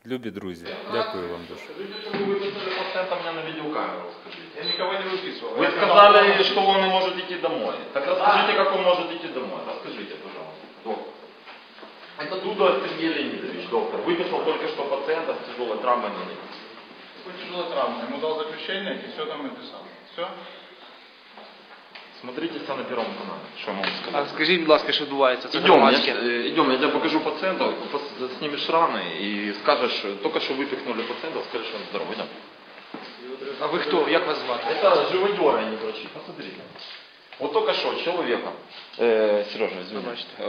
Любі друзі, дякую вам дуже. Скажите, что вы выписали пациента меня на видеокамеру, скажите. Я никого не выписывал. Вы сказали, что он не может идти домой. Так расскажите, как он может идти домой. Расскажите, пожалуйста, доктор. Это Дудар Сергей Леонидович, доктор. Выписал только что пациента с тяжелой травмой на ноге. Какой тяжелая травма? Ему дал заключение и все там написал. Все? Смотрите все на Первом канале. Что я могу А сказать? скажіть, будь ласка, що відбувається? Це Идем, громадське. идем, я тебе покажу пациента, снимешь раны и скажешь, только что выпихнули пациента, скажешь, что он здоровый. Идем. А ви хто? Як вас звати? Это живодеры, а не врачи. Посмотрите. Вот только что человека, Сережа, извини,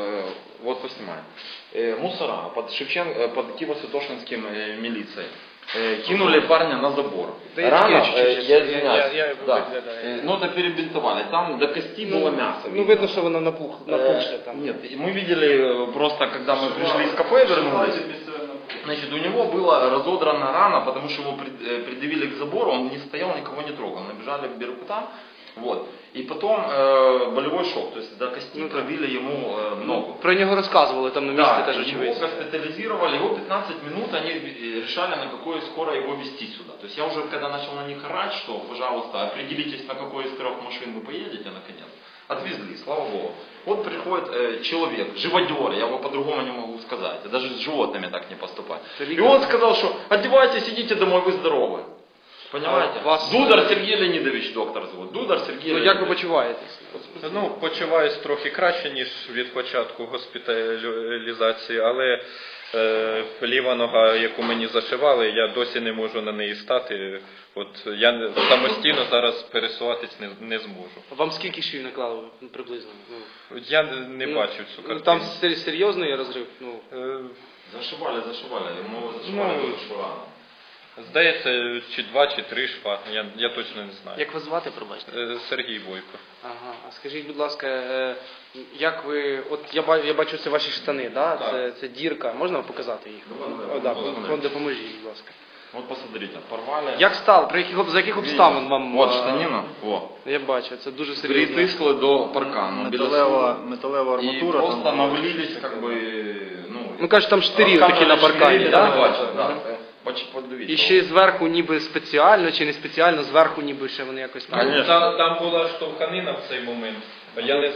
вот поснимаем, мусора под Киево-Святошинским милицией кинули парня на забор. Да Рана, я извиняюсь, да, но это перебинтовали, там до кости было мясо. Ну видно, що воно напухше там. Нет, мы видели просто, когда мы пришли из кафе, вернулись, значит, у него была разодрана рана, потому что его придавили к забору, он не стоял, никого не трогал, набежали к Беркутам, вот, и потом болевой шок, то есть до кости пробили ему ногу. Про нього розказували там на місці теж Его очевидці. госпитализировали, его 15 минут они решали, на какое скоро его везти сюда. То есть я уже когда начал на них орать, что, пожалуйста, определитесь, на какой из 3 машин вы поедете, наконец. Отвезли, слава Богу. Вот приходит человек, живодер, я его по-другому не могу сказать, даже с животными так не поступать. И он сказал, что одевайтесь, идите домой, вы здоровы. Понимаете? Дудар Сергей Леонидович, доктор зовут. Дудар Сергей Ну як ви почуваєтесь? Ну, почуваюсь трохи краще, ніж від початку госпіталізації, але ліва нога, яку мені зашивали, я досі не можу на неї стати. От я самостійно зараз пересуватись не зможу. Вам скільки швів наклали приблизно? Я не бачив цю картину. Там серйозний розрив? Зашивали, ему зашивали шва. Здається, чи 2, чи 3 шва, я точно не знаю. Як вас звати, пробачте? Сергій Бойко. Ага, а скажіть, будь ласка, як ви, от я бачу, це ваші штани, да? Це дірка, можна показати їх? Допоможіть, будь ласка. Вот посмотрите, порвали. Як стало, за яких обставин вам? Вот штанина, вот. Я бачу, це дуже серйозно. Притисли до паркану. Металева арматура. И просто навалились, как бы, Ну кажуть, там штирі такі на паркані, да? І ще зверху ніби спеціально, чи не спеціально, зверху ніби ще вони якось... Там була штовханина в цей момент. Я не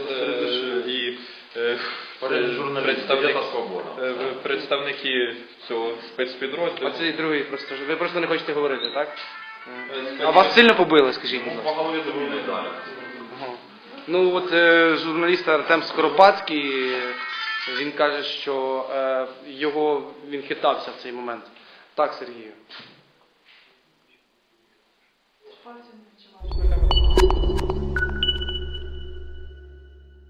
представники цього спецпідрозділу. Оцей другий просто, ви просто не хочете говорити, так? А вас сильно побили, скажіть, будь ласка? По голові добили, далі. Ну от журналіст Артем Скоропадський, він каже, що він хитався в цей момент. Так, Сергію?